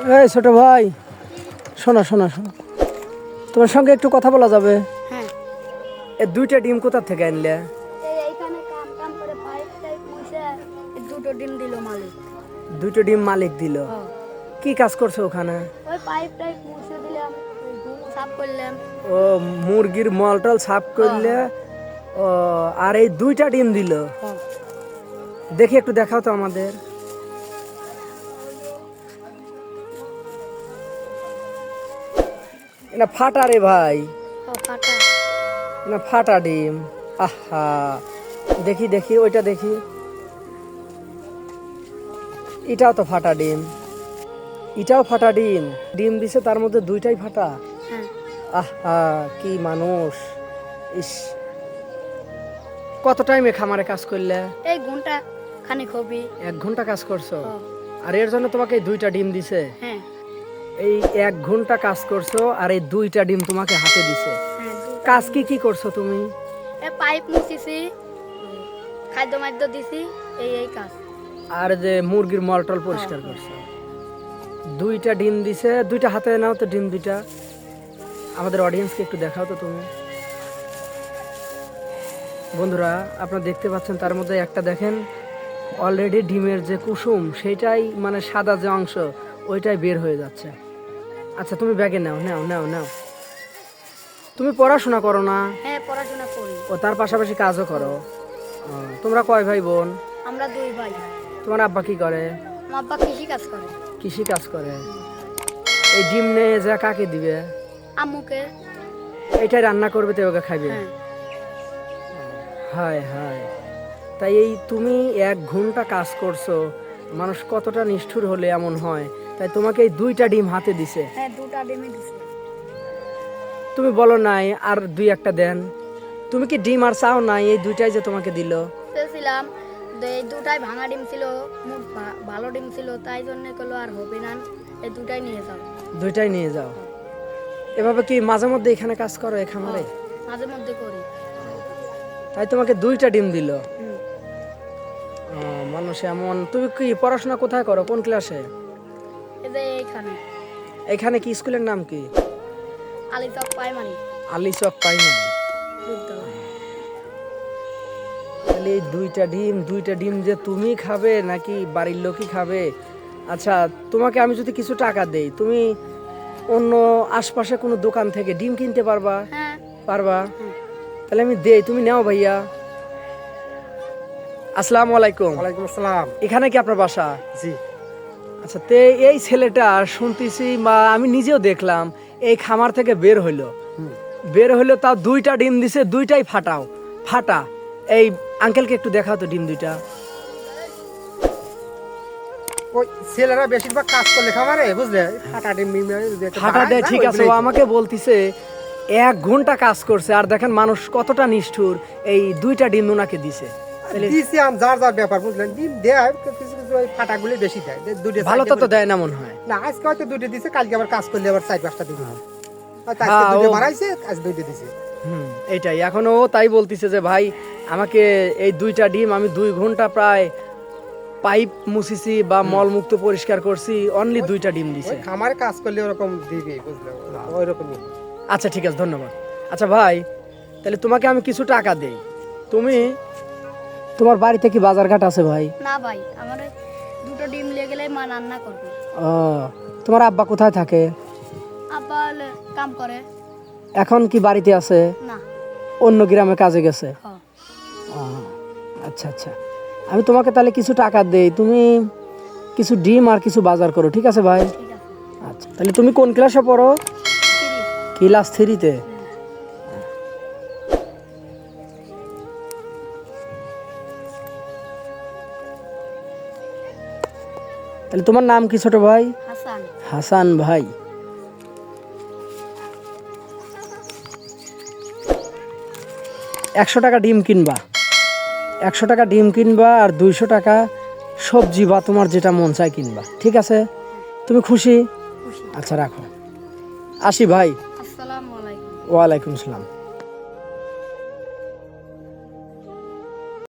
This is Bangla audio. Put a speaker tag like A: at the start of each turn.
A: এই ছোট ভাই, শোনো শোনো শোনো, তোমার সঙ্গে একটু কথা বলা যাবে?
B: হ্যাঁ।
A: এই দুইটা ডিম কোথা থেকে আনলে?
B: এইখানে কাম কাম করে পাইপ টাইপ মুছে দুটো ডিম দিল মালিক।
A: দুটো ডিম মালিক দিল? কি কাজ করছো ওখানে?
B: ওই পাইপ টাইপ মুছে দিলাম, সাফ করলাম।
A: ও, মুরগির মলটল সাফ করলে? ও, আর এই দুইটা ডিম দিল? দেখি একটু দেখাও তো আমাদের। এটা ফাটা রে ভাই,
B: ফাটা।
A: না ফাটা ডিম। আহা, দেখি দেখি ওইটা দেখি। এটাও তো ফাটা ডিম, এটাও ফাটা ডিম। ডিম দিছে তার মধ্যে দুইটাই ফাটা।
B: হ্যাঁ।
A: আহা, কি মানুষ! ইস, কত টাইমে খামারে কাজ করলে?
B: এই ঘন্টা খানিক হবে।
A: 1 ঘন্টা কাজ করছো? আর এর জন্য তোমাকে এই দুইটা ডিম দিছে?
B: হ্যাঁ।
A: এই 1 ঘন্টা কাজ করছো আর এই দুইটা ডিম তোমাকে হাতে দিছে?
B: হ্যাঁ।
A: কাজ কি কি করছো তুমি?
B: এই পাইপ মুছিছি, খাদ্য মাদ্য দিছি, এই কাজ।
A: আর যে মুরগির মলটল পরিষ্কার করছো। দুইটা ডিম দিছে, দুইটা হাতে নাও তো ডিম দুইটা, আমাদের অডিয়েন্সকে একটু দেখাও তো তুমি। বন্ধুরা, আপনারা দেখতে পাচ্ছেন তার মধ্যে একটা দেখেন অলরেডি ডিমের যে কুসুম সেইটাই মানে সাদা যে অংশ ওইটাই বের হয়ে যাচ্ছে। আচ্ছা, তুমি ব্যাগে নাও নাও নাও নাও। তুমি পড়াশোনা করো না?
B: হ্যাঁ, পড়াশোনা করি।
A: ও, তার পাশাপাশি কাজও করো? তোমরা কয় ভাই বোন?
B: আমরা 2 ভাই।
A: তোমার আব্বা কি করে?
B: আমার আব্বা কৃষি কাজ করে।
A: কৃষি কাজ করে? এই ডিম নিয়ে যা কাকে দিবে?
B: আম্মুকে।
A: এইটাই রান্না করবে তো ওকে খাইবে?
B: হ্যাঁ।
A: হায় হায়, তাই এই তুমি 1 ঘন্টা কাজ করছো, মানুষ কতটা নিষ্ঠুর হলে এমন হয়? তাই তোমাকে এই দুইটা ডিম হাতে দিছে?
B: হ্যাঁ, 2টা ডিমই দিছে।
A: তুমি বলো নাই আর 2-1টা দেন? তুমি কি ডিম আর চাও নাই? এই দুইটাই যে তোমাকে দিল।
B: চেয়েছিলাম, এই 2টাই ভাঙা ডিম ছিল, ভালো ডিম ছিল, তাই জন্য কলো আর হবে না, এই 2টাই নিয়ে যাও।
A: দুইটাই নিয়ে যাও। এভাবে কি মাঝে মধ্যে এখানে কাজ করো এই খামারে?
B: মাঝে মধ্যে করি।
A: তাই তোমাকে 2টা ডিম দিল?
B: হুম।
A: মানুষ এমন। তুমি কি পড়াশোনা কোথায় করো, কোন ক্লাসে?
B: এই যে এইখানে।
A: এখানে কি স্কুলের নাম কি?
B: আলিচক প্রাইমারি
A: আলিচক প্রাইমারি
B: বিদ্যালয়।
A: তাহলে এই দুইটা ডিম যে তুমি খাবে নাকি বাড়ির লোকই খাবে? আচ্ছা, তোমাকে আমি যদি কিছু টাকা দেই, তুমি অন্য আশপাশে কোনো দোকান থেকে ডিম কিনতে পারবা?
B: হ্যাঁ।
A: পারবা? তাহলে আমি দেই, তুমি নাও ভাইয়া। আসসালামু আলাইকুম।
C: ওয়ালাইকুম আসসালাম।
A: এখানে কি আপনার বাসা?
C: জি।
A: আচ্ছা, তে এই ছেলেটা শুনতেছি বা আমি নিজেও দেখলাম এই খামার থেকে বের হইলো তাও 2টা ডিম দিছে, দুইটাই ফাটা। এই আঙ্কেলকে একটু দেখাও তো ডিম দুইটা।
C: ওই ছেলেরা বেশিরভাগ কাজ করলে খামারে, বুঝলে, ফাটা ডিম
A: ফাটা দেয়, ঠিক আছে। ও আমাকে বলতিছে 1 ঘন্টা কাজ করছে, আর দেখেন মানুষ কতটা নিষ্ঠুর, এই 2টা ডিম ওনাকে দিছে।
C: দিছি আম যার যার ব্যাপার, বুঝলেন। ডিম দেয় কিছু কিছু, ওই ফাটাগুলি বেশি দেয়। দুটো
A: ভালো তো দেয় না মনে হয়।
C: না, আজকে হয়তো 2টা দিছে, কালকে আবার কাজ করলে আবার 4-5টা দিবে। আজকে
A: হ্যাঁ,
C: 2টা
A: ও-
C: বাড়াইছে, আজ 2টা দিছে।
A: এইটাই এখন ও তাই বলতিছে যে ভাই আমাকে এই 2টা ডিম, আমি 2 ঘন্টা প্রায় পাইপ মুছিছি বা মলমুক্ত পরিষ্কার করছি, অনলি 2টা ডিম দিছে।
C: ওই খামারে কাজ করলে ওরকম দিবে, বুঝলে, ওই রকমই।
A: আচ্ছা, ঠিক আছে, ধন্যবাদ। আচ্ছা ভাই, তাহলে তোমাকে আমি কিছু টাকা দেই, তুমি তোমার বাড়িতে কি বাজারঘাট আছে ভাই?
B: না ভাই, আমার 2টো ডিম নিয়ে গেলে মা রান্না করবে।
A: ও, তোমার আব্বা কোথায় থাকে?
B: আব্বা হলে কাম করে।
A: এখন কি বাড়িতে আছে?
B: না।
A: অন্য গ্রামে কাজে গেছে?
B: হ্যাঁ।
A: ও, আচ্ছা আচ্ছা, আমি তোমাকে তাহলে কিছু টাকা দেই, তুমি কিছু ডিম আর কিছু বাজার করো, ঠিক আছে ভাই?
B: ঠিক আছে।
A: আচ্ছা, তাহলে তুমি কোন ক্লাসে পড়ো?
B: 30।
A: ক্লাস 3-তে? তাহলে তোমার নাম কি ছোট ভাই?
B: হাসান।
A: হাসান ভাই। $100 ডিম কিনবা, 100 টাকা ডিম কিনবা, আর 200 টাকা সবজি বা তোমার যেটা মন চায় কিনবা, ঠিক আছে? তুমি খুশি?
B: খুশি।
A: আচ্ছা, রাখো, আসি ভাই।
B: আসসালামু আলাইকুম।
A: ওয়ালাইকুম আসসালাম।